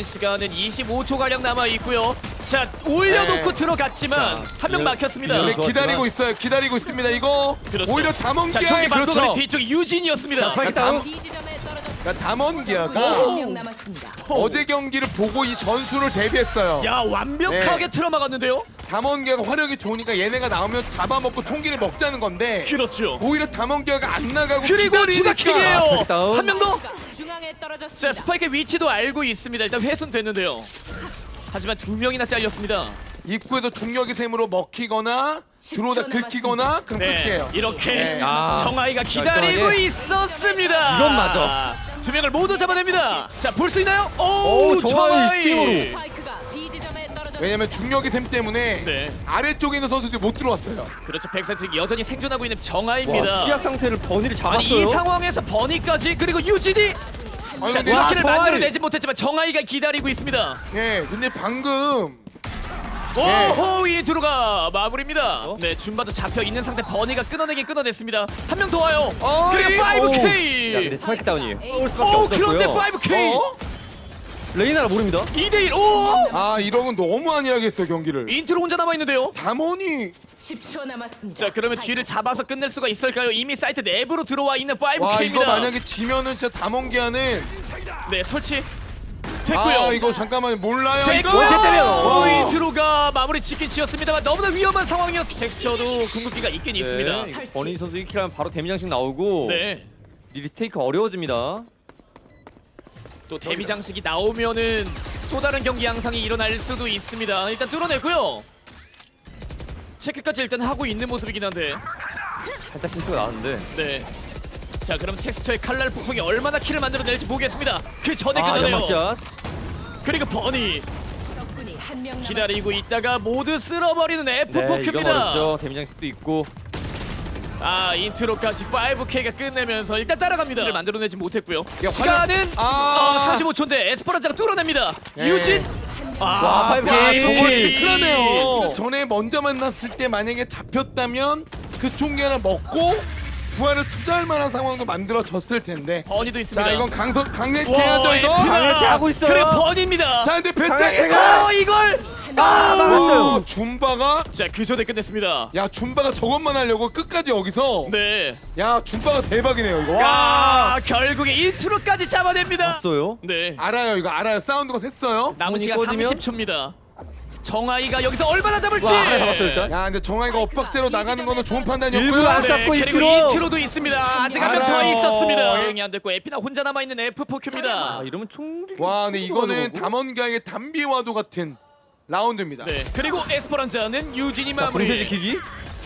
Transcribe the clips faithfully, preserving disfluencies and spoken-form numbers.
시간은 이십오 초 가량 남아 있고요. 자 올려놓고 네. 들어갔지만 한 명 막혔습니다. 네, 좋았지만. 기다리고 있어요. 기다리고 있습니다. 이거 그렇죠. 오히려 자 담원기아의 저기 방금 그렇죠. 뒤쪽에 유진이었습니다. 스파이크 야, 다운. 담- 그러니까 담원기아가 오. 명 남았습니다. 어제 경기를 보고 이 전술을 대비했어요. 야 완벽하게 네. 틀어막았는데요. 담원기아가 화력이 좋으니까 얘네가 나오면 잡아먹고 총기를 먹자는 건데 그렇죠. 오히려 담원기아가 안 나가고 그리고 기다리니까. 추가킥이에요. 스파이크 다운. 한 명 더. 중앙에 자 떨어졌습니다. 스파이크의 위치도 알고 있습니다. 일단 훼손됐는데요. 하지만 두 명이나 잘렸습니다. 입구에서 중력의 셈으로 먹히거나 들어오다 긁히거나 그럼 끝이에요. 이렇게 네. 아. 정아이가 기다리고 깔끔하게. 있었습니다. 이건 맞아. 두 명을 모두 잡아냅니다. 자 볼 수 있나요? 오, 오 정아이 정아이. 스팅으로. 스파이크가 B 지점에 떨어졌습니다. 왜냐면 중력의 셈 때문에 네. 아래쪽에 있는 선수들이 못 들어왔어요. 그렇죠. 백사이트 여전히 생존하고 있는 와, 정아이입니다. 시야 상태를 버니를 잡았어요. 아니 이 상황에서 버니까지 그리고 유진이 아니, 자 근데 와, 치킨을 정아이. 만들어내지 못했지만 정아이가 기다리고 있습니다. 예, 근데 방금 오호 이 들어가 마무리입니다. 어? 네 줌바도 잡혀 있는 상태 버니가 끊어내긴 끊어냈습니다. 한 명 더 와요. 어이, 그리고 파이브 야 케이. 근데 스파이크 다운이에요. 올 수밖에 오 없었고요. 그런데 파이브 케이. 어? 레이나라 모릅니다. 이 대 일. 오 아 이러면 너무 안일하게 했어 경기를. 인트로 혼자 남아 있는데요. 담원이 십 초 남았습니다. 자 그러면 뒤를 잡아서 끝낼 수가 있을까요? 이미 사이트 내부로 들어와 있는 파이브 와 케이입니다. 이거 만약에 지면은 진짜 담원기아는 네 설치 됐고요. 아 이거 잠깐만 몰라요 됐고 이거. 원체 때려. 오, 인트로가 마무리 짓긴 지었습니다만 너무나 위험한 상황이었어. 텍스처도 궁극기가 있긴 있습니다. 네, 이거 버니 선수 일 킬하면 바로 데미 장식 나오고 네. 리테이크 어려워집니다. 또 데미 장식이 나오면은 또 다른 경기 양상이 일어날 수도 있습니다. 일단 뚫어내고요. 체크까지 일단 하고 있는 모습이긴 한데. 살짝 신투가 나왔는데. 네. 자 그럼 텍스처의 칼날 폭풍이 얼마나 키를 만들어낼지 보겠습니다. 그 전에 아 끝나네요. 연막샷. 그리고 버니 적군이 한명 남았습니다. 기다리고 있다가 모두 쓸어버리는 네 이건 에프포큐입니다. 어렵죠. 데미 장식도 있고. 아 인트로까지 파이브 케이가 끝내면서 일단 따라갑니다. 를 만들어내지 못했고요. 야, 시간은 아. 어, 삼십오 초인데 에스퍼란자가 뚫어냅니다. 예. 유진 아, 와, 파이브 야 케이. 저거 오케이. 진짜 큰일 나네요. 전에 먼저 만났을 때 만약에 잡혔다면 그 총기 하나 먹고 부활을 투자할 만한 상황도 만들어졌을 텐데. 버니도 있습니다. 자 이건 강성 강해체하죠 이거. 에프가. 강해체하고 있어요. 그래 버니입니다. 자 근데 강해체가. 배짱이가 어 이걸 아 막았어요. 줌바가 자 그 전에 끝냈습니다. 야 줌바가 저것만 하려고 끝까지 여기서 네. 야 줌바가 대박이네요 이거. 와 야 결국에 인트로까지 잡아냅니다. 봤어요. 네. 알아요 이거 알아요 사운드가 샜어요. 남은 손이 시간 꺼지면? 삼십 초입니다. 정아이가 여기서 얼마나 잡을지. 와 하나 잡았어요 일단. 야 근데 정아이가 엇박제로 나가는 거는 좋은 일부러 판단이었고요. 안 네, 잡고 그리고 인트로. 인트로도 있습니다. 아직 한 명 더 알아요. 있었습니다. 대응이 안 됐고 에피나 혼자 남아 있는 에프포큐입니다. 아 이러면 총. 와 근데 이거는 거고. 담원가의 담비와도 같은 라운드입니다. 네. 그리고 에스퍼란자는 유진이 자 마무리. 본세 지키기.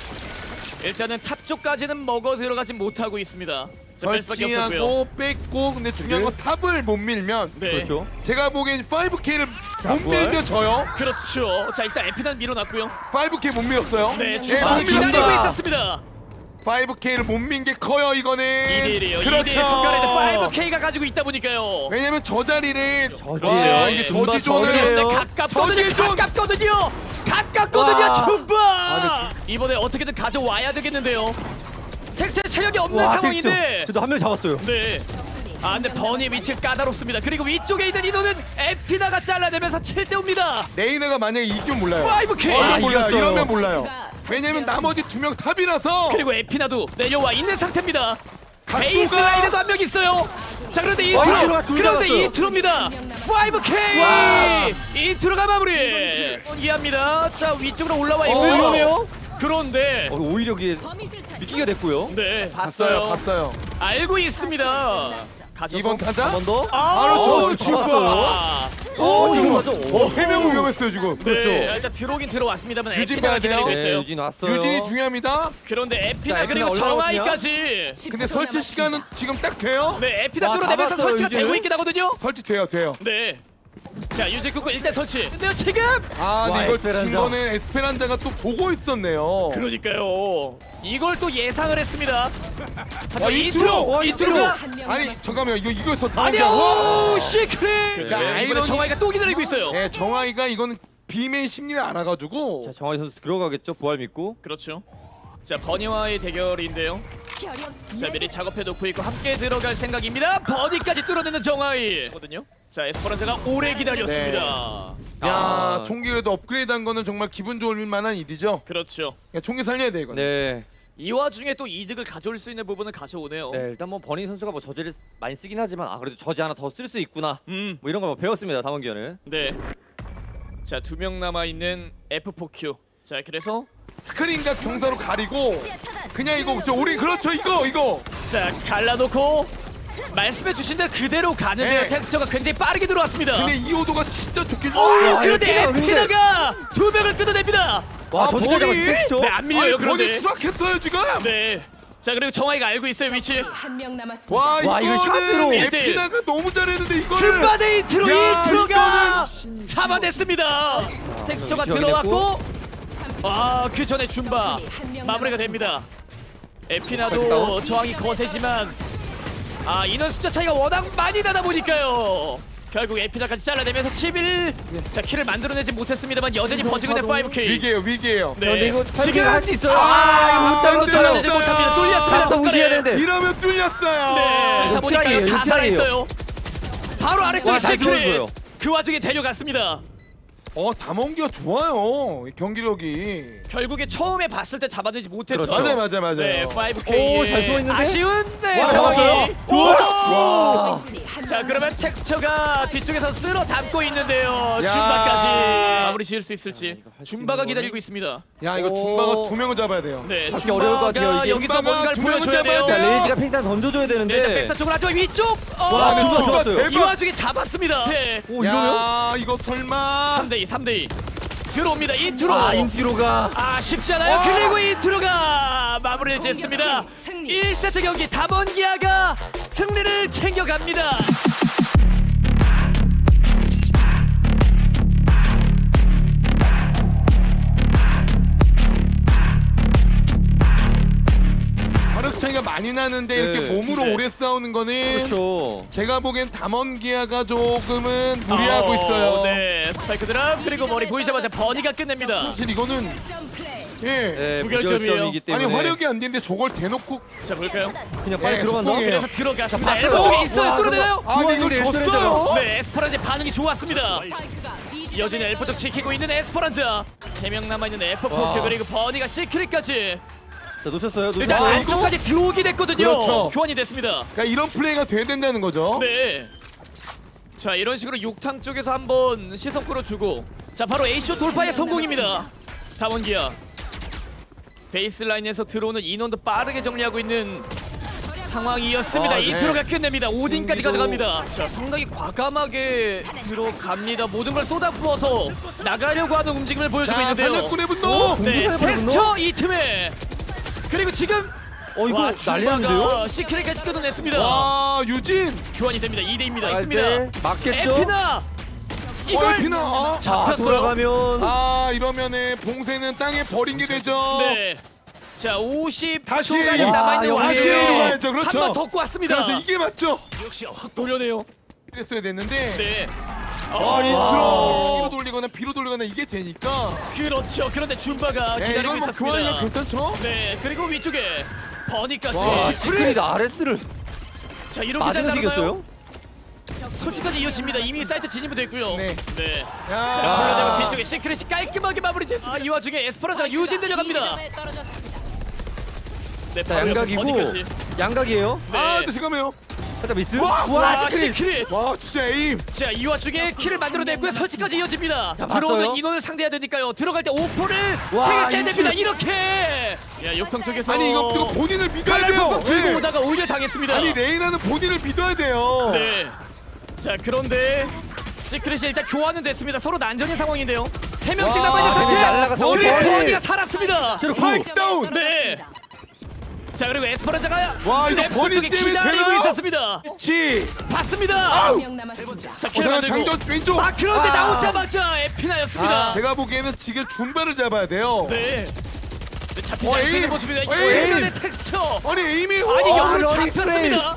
일단은 탑 쪽까지는 먹어 들어가지 못하고 있습니다. 자, 뺄 수밖에 없었고요. 설치하고 뺐고 근데 중요한 건 탑을 못 밀면 네. 그렇죠. 제가 보기엔 파이브 케이를 자, 못 부활. 밀면 져요. 그렇죠. 자 일단 에피난 밀어놨고요. 파이브 케이 못 밀었어요. 네, 예, 주방 못 기다리고 밀었어요. 있었습니다. 파이브 케이를 못 민 게 커요 이거는. 이 대 일이에요. 그렇죠. 이 대 일 성과를 파이브 케이가 가지고 있다 보니까요. 왜냐면 저 자리를 저지예요. 와, 이게 줌바 저지존을 저지예요. 네, 가깝거든요. 저지존! 가깝거든요. 가깝거든요. 와. 줌바. 아, 이번에 어떻게든 가져와야 되겠는데요. 텍스의 체력이 없는 와 상황인데. 텍스. 그래도 한 명 잡았어요. 네. 아 근데 버니의 위치가 까다롭습니다. 그리고 위쪽에 있는 인호는 에피나가 잘라내면서 칠 대 오입니다. 레이너가 만약에 이기면 몰라요. 파이브 케이. 이러면 아, 몰라요. 이겼어요. 이러면 몰라요. 왜냐면 나머지 두 명 탑이라서 그리고 에피나도 내려와 있는 상태입니다. 각도가- 베이스 라인에도 한 명 있어요. 자 그런데 와, 인트로 인트로가 둘 그런데 잡았어요. 인트로입니다. 파이브 케이 와. 인트로가 마무리. 이해합니다. 자 위쪽으로 올라와 어 있고요. 위험해요. 그런데 어, 오히려 이게 미끼가 됐고요. 네 봤어요. 봤어요. 봤어요. 알고 있습니다. 가져서 이번 타자? 한 번 더. 바로 저 줌바. 오 지금 맞아. 어, 세 명은 위험했어요 지금. 그렇죠. 네, 일단 들어오긴 들어왔습니다.만 유진 에피나가 봐야 돼요. 기다리고 네, 있어요. 유진 왔어요. 유진이 중요합니다. 그런데 에피나 자, 에피나 그리고 올라가거든요. 정아이까지. 근데 설치 시간은 지금 딱 돼요. 네, 에피나 와, 뚫어내면서 잡았어요, 설치가 유진을. 되고 있긴 하거든요. 설치 돼요 돼요. 네. 자, 유진 끊고 일단 설치. 근데요, 지금. 아 근데 와, 이걸 에스페란자. 진 거는 에스페란자가 또 보고 있었네요. 그러니까요. 이걸 또 예상을 했습니다. 하지만 와, 인트로, 인트로! 와, 인트로가 아니 잠깐만 이거 이거였어. 아니야. 오, 시크릿. 야, 네, 이번에 아이러니- 정아이가 또 기다리고 있어요. 예, 정아이가 이거는 비메인 심리를 알아가지고 자 정하이 선수 들어가겠죠. 부활 믿고. 그렇죠. 자, 버니와의 대결인데요. 결이 없. 자 미리 작업해 놓고 있고 함께 들어갈 생각입니다. 버디까지 뚫어내는 정하이. 거든요. 자 에스퍼란자가 오래 기다렸습니다. 야 아. 총기 그래도 업그레이드한 거는 정말 기분 좋을 만한 일이죠. 그렇죠. 야, 총기 살려야 돼 이거. 네. 이 와중에 또 이득을 가져올 수 있는 부분은 가져오네요. 네, 일단 뭐 버니 선수가 뭐 저지를 많이 쓰긴 하지만 아 그래도 저지 하나 더 쓸 수 있구나. 음, 뭐 이런 거 뭐 배웠습니다. 담원기어는. 네. 자 두 명 남아 있는 에프 포 큐. 자 그래서 스크린과 경사로 가리고 그냥 이거 저 우리 그렇죠 이거 이거. 자 갈라놓고 말씀해주신 대로 그대로 가는데요. 네. 텍스처가 굉장히 빠르게 들어왔습니다. 근데 이 오도가 진짜 좋긴. 오 어, 그런데 에피나가 근데- 에피나가 두 명을 끊어냅니다. 와 아, 저지까지 버니? 잡았죠. 네 안 밀려요 아니 그런데. 버니 추락했어요 지금. 네. 자 그리고 정하이가 알고 있어요 위치. 한 명 남았습니다. 와, 와, 이거 샷으로 이거는 일 대 일. 에피나가 너무 잘했는데 이거는. 줌바데 이트로 야, 이트로가 잡아냈습니다. 텍스처가 위치 들어왔고 아 그 전에 줌바 마무리가 됩니다. 에피나도 저항이 거세지만 아 인원 숫자 차이가 워낙 많이 나다 보니까요. 결국 에피나까지 잘라내면서 십일 자 킬을 만들어내지 못했습니다만 여전히 버티고 있는 파이브 케이. 위기예요 위기예요. 네. 근데 이거 지금 할 수 있어요. 아, 이거 못 짱으로 안 잘라내지 들었어요. 못합니다. 뚫렸습니다. 자꾸 무시해야 손가락에. 되는데. 이러면 뚫렸어요. 네, 이거 다 보니까 트라이예요, 다 이거 트라이예요. 살아있어요. 바로 아래쪽에 와, 잘 시크릿. 들어왔어요. 그 와중에 데려갔습니다. 어 담원기가 좋아요. 이 경기력이. 결국에 처음에 봤을 때 잡아내지 못했던. 그렇죠. 맞아요 맞아요 맞아요. 네, 파이브 케이. 오, 잘 숨어있는데? 아쉬운 네, 와, 상황이. 잡았어요. 오! 와. 자, 그러면 텍스처가 뒤쪽에서 쓸어 담고 있는데요. 야. 줌바까지 마무리 지을 수 있을지. 이거 할수 줌바가 있는 기다리고 있습니다. 야 이거 오. 줌바가 두 명을 잡아야 돼요. 네, 잡기 어려울 것 같아요, 줌바가 이게. 여기서 줌바가 뭔가를 두 명을 보여줘야 돼요. 잡아야 자 돼요. 레이지가 팽탄 던져줘야 네, 일단 되는데. 백사 쪽으로 하죠. 위쪽. 어, 와, 줌바 좋았어요. 대박. 이 와중에 잡았습니다. 네. 오 이러면? 야 이거 설마. 삼 대 이, 삼 대 이. 들어옵니다. 인트로. 아 인티로가. 아 쉽지 않아요. 와. 그리고 인트로가 마무리를 짓습니다. 승리. 일 세트 경기 담원기아가 승리를 챙겨갑니다. 화력 차이가 많이 나는데 네. 이렇게 몸으로 네. 오래 싸우는 거는 그렇죠. 제가 보기엔 담원기아가 조금은 무리하고 어, 있어요. 네, 스파이크 드랍 그리고 머리 보이자마자 버니가 끝냅니다. 사실 이거는 점 플레이. 예. 네, 무결점이에요. 무결점이기 때문에. 아니 화력이 안 되는데 저걸 대놓고 자 볼까요? 그냥 빨리 예, 들어간다. 속공이에요. 그래서 들어갔습니다. 봤어요. 엘보 쪽에 있어요. 와, 뚫어내요. 아니 이걸 중앙인데 졌어요. 네, 에스퍼란자 반응이 좋았습니다. 스파이크가 B 지점에 여전히 엘보 쪽 지키고 있는 에스퍼란자. 세 명 남아 있는 에프 와. 포 그리고 버니가 시크릿까지. 자 놓쳤어요. 일단 놓쳤어요. 안쪽까지 들어오긴 했거든요. 그렇죠. 교환이 됐습니다. 그러니까 이런 플레이가 돼야 된다는 거죠. 네. 자 이런 식으로 욕탕 쪽에서 한번 시선 끌어주고 자 바로 A쇼 돌파의 성공입니다. 다원기아 베이스라인에서 들어오는 인원도 빠르게 정리하고 있는 상황이었습니다. 아, 네. 인트로가 끝냅니다. 오딘까지 경기도- 가져갑니다. 자 상당히 과감하게 들어갑니다. 모든 걸 쏟아부어서 나가려고 하는 움직임을 보여주고 자 있는데요. 사냥꾼의 분노. 네, 공격하는 텍스처 이 틈에 그리고 지금 어 이거 와, 난리 줌바가 났는데요? 시크릿까지 끊어냈습니다. 와 유진. 교환이 됩니다. 이 대 이입니다. 아, 있습니다. 네. 맞겠죠? 에피나 어 이걸 에피나. 아, 자 잡혔어요. 돌아가면. 아 이러면은 봉쇄는 땅에 버린 게 되죠. 네. 자 오십 다시. 초간이 와, 남아있는 여기에요. 다시 와중에 A로 가야죠. 그렇죠. 한번 덮고 왔습니다. 그래서 이게 맞죠. 돌려내요. 이랬어야 됐는데. 네. 아 어, 인트로 B로 돌리거나 B로 돌리거나 이게 되니까. 그렇죠. 그런데 줌바가 네, 기다리고 이건 뭐 있었습니다. 교환이면 괜찮죠? 네. 그리고 위쪽에 버니까지. 와, 시크릿 아레스를 자 이렇게 잘 맞으면서 나가나요? 이겼어요? 솔직까지 이어집니다. 이미 사이트 진입이 됐고요. 네. 네. 야. 자, 그러다가 뒤쪽에 시크릿이 깔끔하게 마무리 됐습니다. 아, 이 와중에 에스퍼란자가 유진 데려갑니다. B 지점에 떨어졌습니다. 네, 자 바로 옆에 양각이고 버니까지. 양각이에요. 네. 아 근데 잠깐만요. 살짝 미스. 와, 와, 와 시크릿. 시크릿. 와 진짜 에임. 자, 이 와중에 킬을 만들어냈고요. 설치까지 이어집니다. 자, 들어오는 봤어요? 인원을 상대해야 되니까요. 들어갈 때 오퍼를 와, 생각해야 됩니다. 이렇게. 이렇게. 야, 욕탕 쪽에서 아니 이거 이거 본인을 믿어야 칼날 돼요. 팍팍 들고 네. 오다가 오히려 당했습니다. 아니 레이나는 본인을 믿어야 돼요. 네. 자, 그런데 시크릿이 일단 교환은 됐습니다. 서로 난전인 상황인데요. 세 명씩 와, 남아 있는 상태. 날라가서 우리 버니! 버니가 살았습니다. 제로 구. 스파이크 다운. 네. 자, 그리고 에스퍼란자가 와, 이거 랩 버니 쪽에 때문에 기다리고 되나요? 있었습니다. 치. 봤습니다. 한 명 남았습니다. 자, 어, 킬 잠깐 만들고. 장전 왼쪽. 아, 그런데 아. 나오자마자 에피나였습니다. 아, 제가 보기에는 지금 줌바를 잡아야 돼요. 네. 네, 잡히지 어, 않고 에임! 있는 모습입니다. 어, 에임! 이면의 텍스처. 아니 에임이 아니 어, 역으로 러닝 잡혔습니다.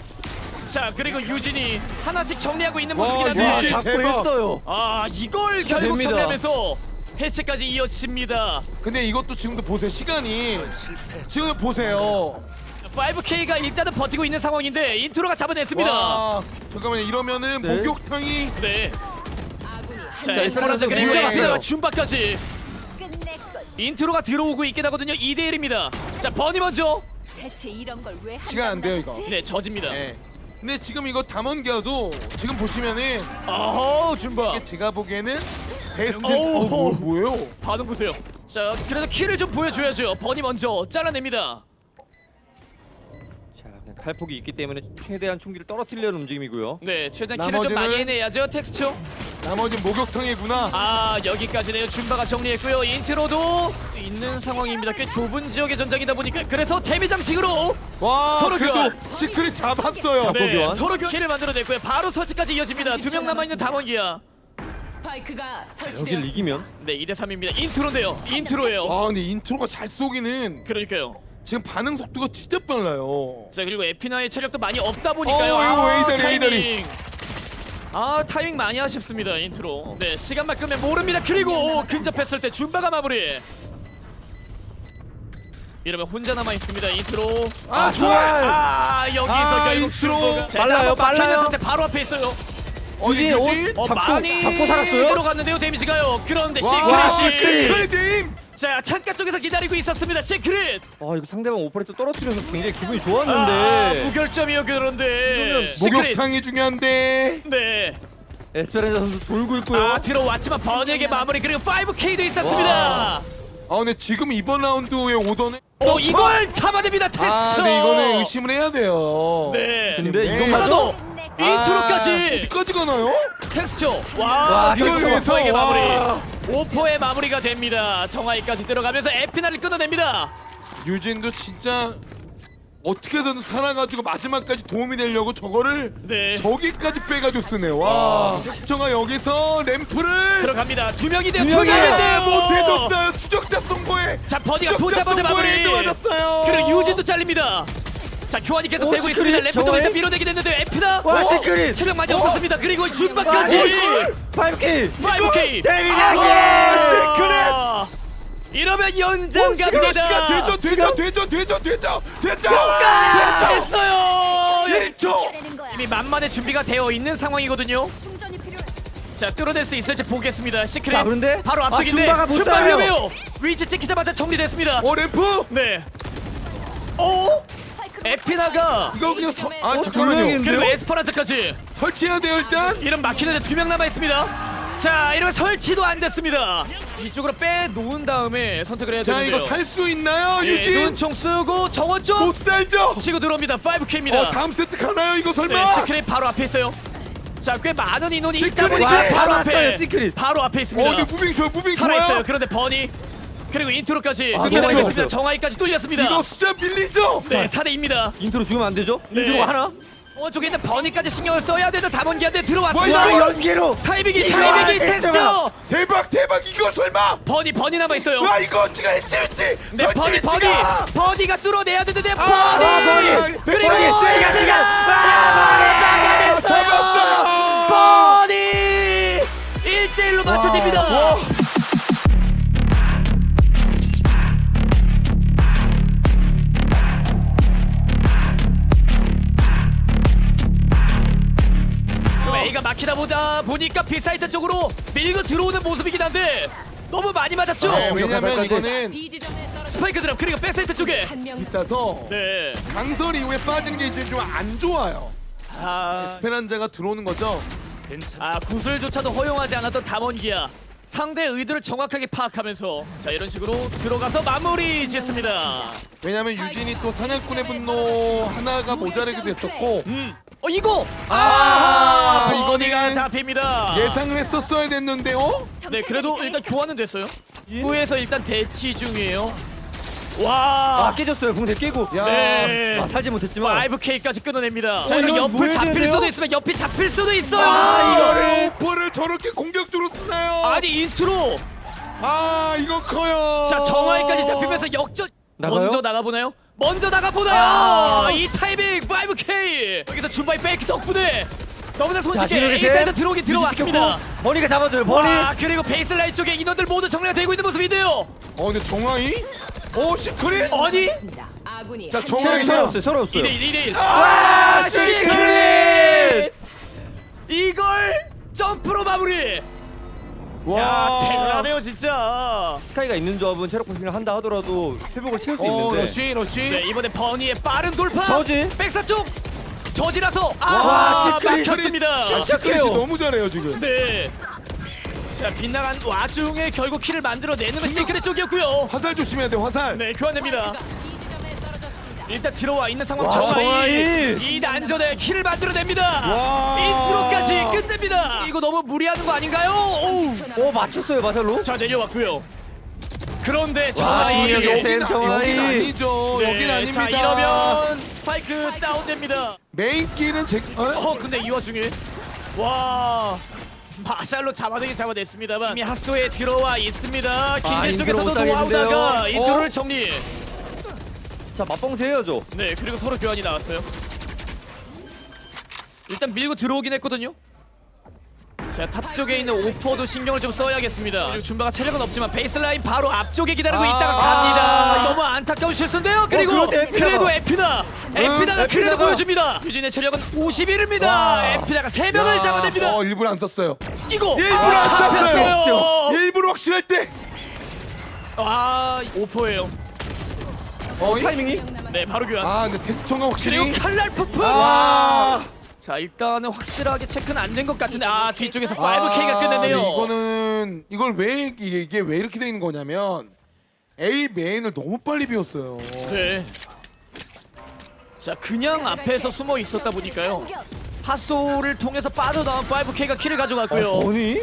자, 그리고 유진이 하나씩 정리하고 있는 와, 모습이긴 와 한데 유진. 잡고 대박. 했어요. 아, 이걸 결국 됩니다. 정리하면서 해체까지 이어집니다. 근데 이것도 지금도 보세요 시간이 지금 보세요. 파이브 케이가 일단은 버티고 있는 상황인데 인트로가 잡아냈습니다. 와, 잠깐만요. 이러면은 네. 목욕탕이 네. 아군이 한 자, 명 에스페란자 그리고 네. 에피나가 줌바까지 끝냈군. 인트로가 들어오고 있긴 하거든요. 이 대 일입니다. 자, 버니 먼저. 대체 이런 걸 왜 시간 안 돼요, 이거. 네, 저집니다. 네. 근데 지금 이거 담원기아도 지금 보시면은 어허, 줌바. 이게 제가 보기에는 베스트 오우. 어, 뭐, 뭐예요? 반응 보세요. 자, 그래도 키를 좀 보여줘야죠. 버니 먼저 잘라냅니다. 자, 그냥 칼폭이 있기 때문에 최대한 총기를 떨어뜨리려는 움직임이고요. 네, 최대한 키를 좀 나머지는- 많이 해내야죠. 텍스처. 나머지 목욕탕이구나. 아, 여기까지네요. 줌바가 정리했고요. 인트로도 있는 상황입니다. 꽤 좁은 지역의 전장이다 보니까 그래서 데미 장식으로 와, 서로 그래도 교환. 시크릿 잡았어요. 잡고 네, 교환. 서로 키를 만들어냈고요. 바로 설치까지 이어집니다. 두 명 남아있는 담원기야. 스파이크가 여기를 설치되었습니다. 이기면 네, 이 대 삼입니다. 인트로인데요. 인트로예요. 아, 근데 인트로가 잘 쏘기는 그러니까요. 지금 반응 속도가 진짜 빨라요. 자, 그리고 에피나의 체력도 많이 없다 보니까요. 어, 이거 아, 웨이다리, 타이밍. 아, 타이밍 많이 아쉽습니다. 인트로. 네, 시간만 끄면 모릅니다. 그리고 근접했을 때 줌바가 마무리. 이러면 혼자 남아 있습니다. 인트로. 아, 좋아요. 아, 여기서 아, 결국 인트로. 줌바가 자, 빨라요, 한번 박혀있는 빨라요. 상태 바로 앞에 있어요. 어디 유진, 유진? 어, 잡고- 많이 잡고 살았어요? 들어갔는데요. 데미지가요. 그런데 와, 시크릿이 시크릿님. 자, 창가 쪽에서 기다리고 있었습니다. 시크릿. 아 이거 상대방 오퍼레이터 떨어뜨려서 굉장히 기분이 아, 좋았는데 무결점이요. 그런데 이러면 시크릿. 목욕탕이 중요한데. 네. 에스페란자 선수 돌고 있고요. 아, 들어왔지만 버니에게 마무리. 그리고 파이브 케이도 있었습니다. 아, 근데 지금 이번 라운드에 오더는 또 이걸 잡아냅니다. 테스트. 아, 근데 이거는 의심을 해야 돼요. 네. 근데 네. 이거 하나 맞아? 더. 인트로까지. 어디까지 가나요? 텍스처. 와, 와, 결국 이걸 위해서, 오퍼에게 마무리. 와. 오퍼의 마무리가 됩니다. 정하이까지 들어가면서 에피나를 끊어냅니다. 유진도 진짜 어떻게 해서든 살아가지고 마지막까지 도움이 되려고 저거를 네. 저기까지 빼가지고 쓰네. 와. 텍스처가 여기서 램프를 들어갑니다. 두 명이 돼요. 두 두 명이 명이 아, 돼요. 못해줬어요. 추적자 선고에. 자, 버니가 추적자 보자마자 마무리. 선고에 헤드 맞았어요. 그리고 유진도 잘립니다. 자, 교환이 계속 오, 되고 시크릿 있습니다. 래프트가 저거에? 일단 밀어내게 됐는데 에피나. 와, 어? 시크릿. 체력 많이 어? 없었습니다. 그리고 준바까지. 파이브 케이. 파이브 케이. 데미지 아, 시크릿. 이러면 연장 시간 갑니다. 시간 되죠 되죠 되죠 되죠 되죠 되죠. 아, 됐어요. 일 초. 이미 만만의 준비가 되어 있는 상황이거든요. 충전이 필요해. 자, 뚫어낼 수 있을지 보겠습니다. 시크릿. 자, 그런데 바로 아, 앞쪽인데 줌바가 못 줌바 살아요. 위험해요. 위치 찍히자마자 정리됐습니다. 어 램프? 네. 오! 에피나가 이거 그냥 서, 아 어, 잠깐만요. 분명히- 그리고 에스퍼란자까지. 설치해야 돼요 일단. 이런 막히는데 두 명 남아 있습니다. 자, 이러면 설치도 안 됐습니다. 이쪽으로 빼 놓은 다음에 선택을 해야 자 되는데요. 이거 살 수 있나요 예, 유진? 눈총 쓰고 정원 쪽 못 살죠? 치고 들어옵니다. 파이브 케이입니다. 어 다음 세트 가나요 이거 네, 설마? 시크릿 바로 앞에 있어요. 자, 꽤 많은 인원이 있다 시크릿! 보니까 와, 바로 앞에 잡았어요, 시크릿. 바로 앞에 있습니다. 어 근데 무빙 좋아요 무빙 살아있어요. 좋아요. 그런데 버니 그리고 인트로까지 아, 끝내고 너무 있습니다. 좋았어요. 정하이까지 뚫렸습니다. 이거 숫자 밀리죠? 네, 사 대 이입니다. 인트로 죽으면 안 되죠? 네. 인트로가 하나? 어, 저기 있는 버니까지 신경을 써야 되는 담원기한테 와, 들어왔습니다. 이거 연계로 타이밍이 이거 타이밍이 안 테스트. 됐어요. 대박 대박 이거 설마? 버니 버니 남아 있어요. 와 이거 지가 했지 했지. 네, 버니 버니 버니가 뚫어내야 되는데 버니. 아, 버니. 그리고 버니, 시간 시간. 아, 잡았어요. 버니 일 대 일로 맞춰집니다. 와. 그럼 A가 막히다 보다 보니까 B사이트 쪽으로 밀고 들어오는 모습이긴 한데 너무 많이 맞았죠. 네, 왜냐면 가설까지. 이거는 B 지점에 떨어져 스파이크 드랍 그리고 백사이트 쪽에. 한명 비싸서 네. 강설 이후에 빠지는 게 이제 좀 안 좋아요. 아, 페란자가 들어오는 거죠. 아 구슬조차도 허용하지 않았던 담원기야. 상대 의도를 정확하게 파악하면서 자 이런 식으로 들어가서 마무리 짓습니다. 왜냐면 유진이 또 사냥꾼의 분노 하나가 모자라기도 했었고 음. 어 이거 아, 아 이거는 이거는 잡힙니다. 예상을 했었어야 됐는데요. 네 그래도 일단 교환은 됐어요. 후에서 일단 대치 중이에요. 와. 아 깨졌어요. 공대 깨고. 야, 네. 아, 살지 못했지만. 파이브 케이까지 끊어냅니다. 자 어, 이런 이건 옆을 뭐 해야 잡힐 되는데요? 수도 있으면 옆이 잡힐 수도 있어요. 아, 이거를 오퍼를 저렇게 공격적으로 쓰나요? 아니 인트로. 아, 이거 커요. 자 정하이까지 잡히면서 역전. 나가요? 먼저 나가보나요? 먼저 나가보나요? 아. 이 타이밍 파이브 케이. 여기서 줌바이 페이크 덕분에 너무나 자, 손쉽게 진혁이 셋. A사이드 들어오긴 유지 들어왔습니다. 지켰고. 버니가 잡아줘요. 버니. 와 그리고 베이스라인 쪽에 인원들 모두 정리가 되고 있는 모습인데요. 어, 근데 정황이? 오, 시크릿? 아니 있습니다. 아군이 자, 한 정확히 명 체력이 서로 없어요. 서로 없어요. 이 대 일, 이 대 일. 아, 시크릿! 이걸 점프로 마무리. 야, 대단하네요 진짜. 스카이가 있는 조합은 체력 보충을 한다 하더라도 회복을 채울 수 어, 있는데. 러시 러시. 네, 이번에 버니의 빠른 돌파. 저지? 백사 쪽. 저지라서 와, 아, 시크릿. 막혔습니다. 시크릿이 시작해요. 너무 잘해요 지금. 네. 자, 빗나간 와중에 결국 킬을 만들어내는 건 시크릿 쪽이었고요. 화살 조심해야 돼 화살. 네, 교환됩니다. 스파이크가 이 지점에 떨어졌습니다. 일단 들어와 있는 상황. 와, 정하이 정하이. 이 난전에 킬을 만들어냅니다. 와. 인트로까지 끝냅니다. 이거 너무 무리하는 거 아닌가요? 오우. 오 맞췄어요 마샬로. 자, 내려왔고요. 그런데 와, 정하이 중력의 여긴, 쌤 아- 정하이. 여긴 아니죠. 네, 여긴 아닙니다. 자, 이러면 스파이크 다운됩니다. 메인 길은 제. 어? 어, 근데 이 와중에 와. 마샬로 잡아내긴 잡아냈습니다만 이미 하스토에 들어와 있습니다. 길게 아, 인트로 쪽에서도 못 따겠는데요. 노아우다가 어? 인트로를 정리. 자 맞방세 해야죠. 네, 그리고 서로 교환이 나왔어요. 일단 밀고 들어오긴 했거든요. 자, 탑 쪽에 있는 오퍼도 신경을 좀 써야겠습니다. 그리고 줌바가 체력은 없지만 베이스라인 바로 앞쪽에 기다리고 아. 있다가 갑니다. 너무 안타까운 실수인데요. 그리고 그런데 에피나가. 그래도 에피나, 에피나가 그래도 에피나가. 보여줍니다. 유진의 체력은 오십일입니다. 와. 에피나가 세 명을 야, 잡아냅니다. 어 일부러 안 썼어요. 이거 일부러 아, 안 썼어요. 잡혔어요. 일부러 확실할 때. 아, 오퍼예요. 어, 타이밍이. 네, 바로 교환. 아 근데 텍스 총각 확실히. 그리고 칼날 푸프. 아. 자, 일단은 확실하게 체크는 안 된 것 같은데 아, 뒤쪽에서 아, 파이브 케이가 끝냈네요. 근데 이거는 이걸 왜 이게, 이게 왜 이렇게 되는 거냐면 A 메인을 너무 빨리 비웠어요. 네. 자, 그냥 앞에서 숨어 있었다 보니까요. 파스토를 통해서 빠져나온 파이브 케이가 킬을 가져갔고요. 버니?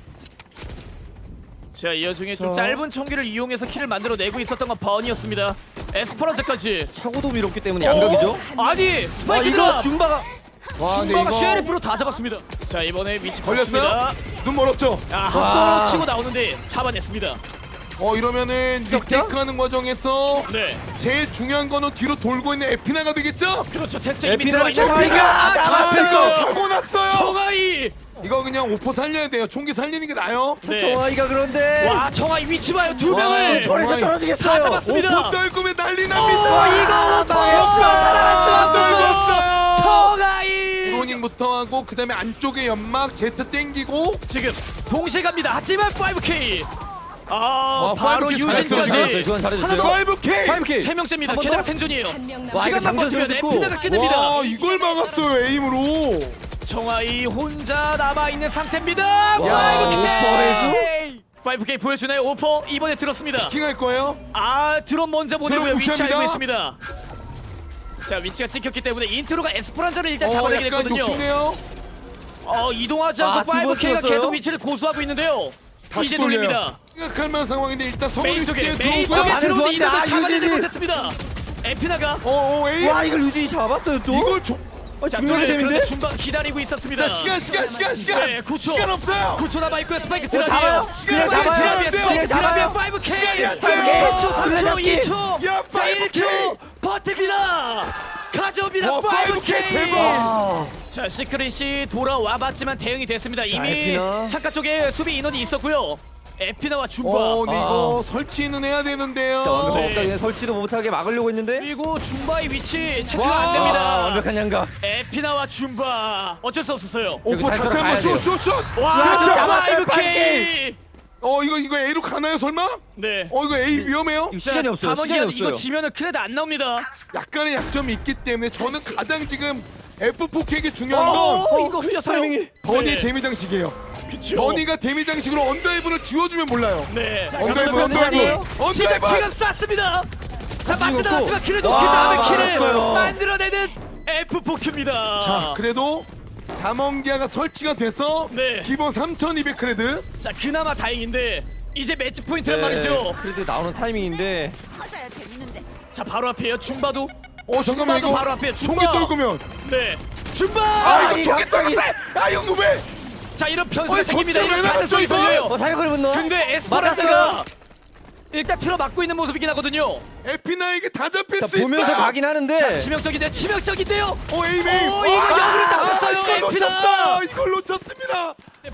자, 이 와중에 좀 자. 짧은 총기를 이용해서 킬을 만들어내고 있었던 건 버니였습니다. 에스퍼란자까지. 차고도 밀었기 때문에 양각이죠. 아니, 와 스파이크가 이거 줌바가. 와 근데 줌바가 이거 쉐리프로 다 잡았습니다. 자, 이번에 위치 걸렸어요? 걸렸습니다. 눈 멀었죠? 아, 와. 핫소로 치고 나오는데 잡아냈습니다. 어 이러면은 진짜? 리테이크하는 과정에서 네. 제일 중요한 거는 뒤로 돌고 있는 에피나가 되겠죠? 그렇죠. 테스트 이미 에피나를 들어와 있는 잡아야 아, 돼요. 아 잡았어요. 이거 사고 났어요. 청아이. 이거 그냥 오퍼 살려야 돼요. 총기 살리는 게 나아요. 네. 정아이가 그런데. 와, 청아이 위치 봐요. 두 와, 명을. 저- 저리서 정아이. 다 떨어지겠어요. 잡았습니다. 오퍼 떨구면 난리 어, 납니다. 이거 오퍼 망했어. 살아날 수 없었어. 떨궜어요. 청아이. 드로닝부터 하고 그 다음에 안쪽에 연막 제트 땡기고 지금 동시에 갑니다. 하지만 파이브 케이. 아, 와, 바로 파이브 케이 잘했어요. 유진까지. 교환 잘해줬어요. 하나 더. 파이브 케이. 파이브 케이. 세 명째입니다. 한번 게다가 더? 생존이에요. 한 명 와, 이거 시간만 장전 버티면 듣고. 에피나가 끝냅니다. 와 이걸 막았어요 에임으로. 청아이 혼자 남아 있는 상태입니다. 야, 파이브 오퍼 케이. 파이브 케이 보여주나요? 오퍼 이번에 들었습니다. 킹할 거예요? 아, 드론 먼저 보내고요. 드론 위치 무시합니다. 알고 있습니다. 자, 위치가 찍혔기 때문에 인트로가 에스퍼란자를 일단 어 잡아내게 약간 됐거든요. 욕심내요. 어, 이동하지 아, 않고 두번 파이브 케이가 튀었어요? 계속 위치를 고수하고 있는데요. 다시 이제 돌려요. 돌립니다. 생각할 만한 상황인데 일단 성훈이 메인 쪽에 뒤에 메인 들어오고요. 쪽에 반응 들어오는 좋았는데, 이동을 아, 잡아내지 유진이. 못했습니다. 에피나가 어어 에임. 와 이걸 유진이 잡았어요 또. 이걸 줘. 아, 자, 중력의 그런데 셈인데. 줌바 기다리고 있었습니다. 자 시간 시간 시간 시간. 네, 구 초. 시간 없어요. 구 초 남아 있고요. 스파이크 잡아요. 드랍이에요. 시간이 잡아요. 시간이 드랍이에요. 안 돼요. 스파이크 잡아요. 드랍이에요. 파이브 케이. 시간이 안 돼요. 삼 초, 삼 초, 들려잡기. 이 초. 야, 자, 일 파이브 초 케이. 버팁니다. 가져옵니다. 와, 파이브 파이브 케이 케이. 대박. 아. 자, 시크릿이 돌아와봤지만 대응이 됐습니다. 이미 에피나. 창가 쪽에 수비 인원이 있었고요. 에피나와 줌바. 어 근데 아. 이거 설치는 해야 되는데요. 자 완벽한 네. 옥당에 설치도 못하게 막으려고 했는데. 그리고 줌바의 위치 체크가 와. 안 아, 됩니다. 완벽한 양각. 에피나와 줌바 어쩔 수 없었어요. 오퍼 여기 다시 한번 가야 돼요. 슛슛슛. 와, 그렇죠. 파이브 잡았어요, 케이. 어 이거 이거 A로 가나요 설마? 네. 어 이거 A 위험해요? 이거 시간이 없어요. 담원기아 시간이 이거 없어요. 지면은 크레드 안 나옵니다. 약간의 약점이 있기 때문에 저는 가장 지금 에프 포 K에게 중요한 어, 건 어, 이거 흘렸어요. 타이밍이. 버니 네. 데미 장식이에요. 그쵸. 버니가 데미 장식으로 언더헤븐을 지워주면 몰라요. 네. 자, 언더헤븐 그러면 버니 언더헤븐 지금 언더헤븐. 지금 쐈습니다. 자, 맞지 놓고. 나왔지만 킬을 놓긴 와, 다음에 킬을 맞았어요. 만들어내는 에프 포큐입니다. 자 그래도 담원기아가 설치가 돼서 네. 기본 삼천이백 크레드. 자, 그나마 다행인데 이제 매치 포인트란 네, 말이죠. 그래도 나오는 타이밍인데. 맞아야 재밌는데. 자, 바로 앞에요. 줌바도. 어 잠깐만 줌바도 이거 바로 앞에 총기 줌바. 떨구면. 네. 줌바. 아 아, 이거 이 총기 갑자기. 떨궜어. 아 이거 왜? 자, 이런 변수가 아니, 생깁니다. 저쪽 이런 왜 가능성이 나갔죠, 이거? 걸려요. 어 타이거를 분노. 근데 에스퍼란자가 일단 틀어 막고 있는 모습이긴 하거든요. 에피나에게 다 잡힐 자 수 있어요. 보면서 가긴 하는데. 치명적인데 치명적인데요. 어 에임 에임. 오, 이거 역으로 잡혔어요, 이걸 에피나. 놓쳤다. 이걸 놓쳤습니다.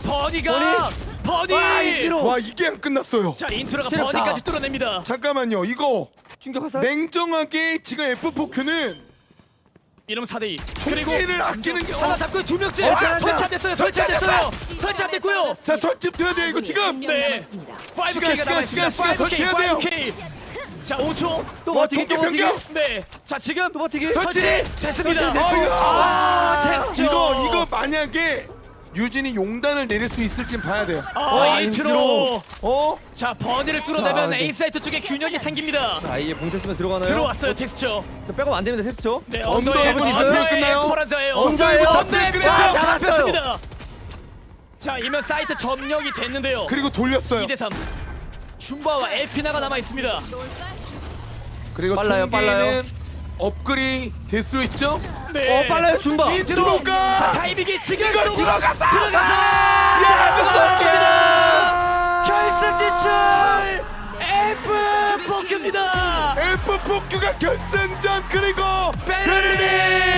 버니가 버니. 와, 인트로. 와 이게 안 끝났어요. 자, 인트로가 체력 사. 버니까지 뚫어냅니다. 잠깐만요 이거 충격 화살. 냉정하게 지금 에프 포 큐는 이름 사 대 이. 그리고 총기를 아끼는 게 하나 어, 잡고 두 명째. 어, 설치 안 됐어요. 설치 안 됐어요. 설치 안 됐고요. 자 설집돼야 돼요 이거 지금. 네. 파이브 시간, 케이가 시간, 남아 시간, 있습니다. 시간 파이브 케이, 설치해야 돼요. 파이브 케이. 자, 오 초. 또 와, 버티기, 총기 또 버티기. 변경. 네. 자, 지금 또 버티기. 설치 됐습니다. 어이구. 아, 됐죠. 이거 이거 만약에 유진이 용단을 내릴 수 있을지 봐야 돼요. 아, 인트로. 어? 자, 버니를 뚫어내면 자, 네. A 사이트 쪽에 균형이 생깁니다. 자, 이게 봉쇄 쓰면 들어가나요? 들어왔어요, 텍스처. 자, 백업 안 됩니다, 텍스처. 네, 언더에 언더에 있어요? 언더에 끝나요? 에스퍼란자예요. 언더에 전대 끝나요? 아, 잡았어요. 잡혔습니다. 자, 이면 사이트 점령이 됐는데요. 그리고 돌렸어요. 이 대 삼. 줌바와 에피나가 남아 있습니다. 그리고 빨라요, 총기는 빨라요. 업글이 될 수 있죠? 네. 어, 빨라요, 줌바. 인트로. 들어가. 자, 타이밍이 지금 이거 쏘고 들어갔어. 들어가서 야, 들어갔습니다. 결승 진출. F 포크입니다. 에프 포 큐가 결승전 그리고 베르린.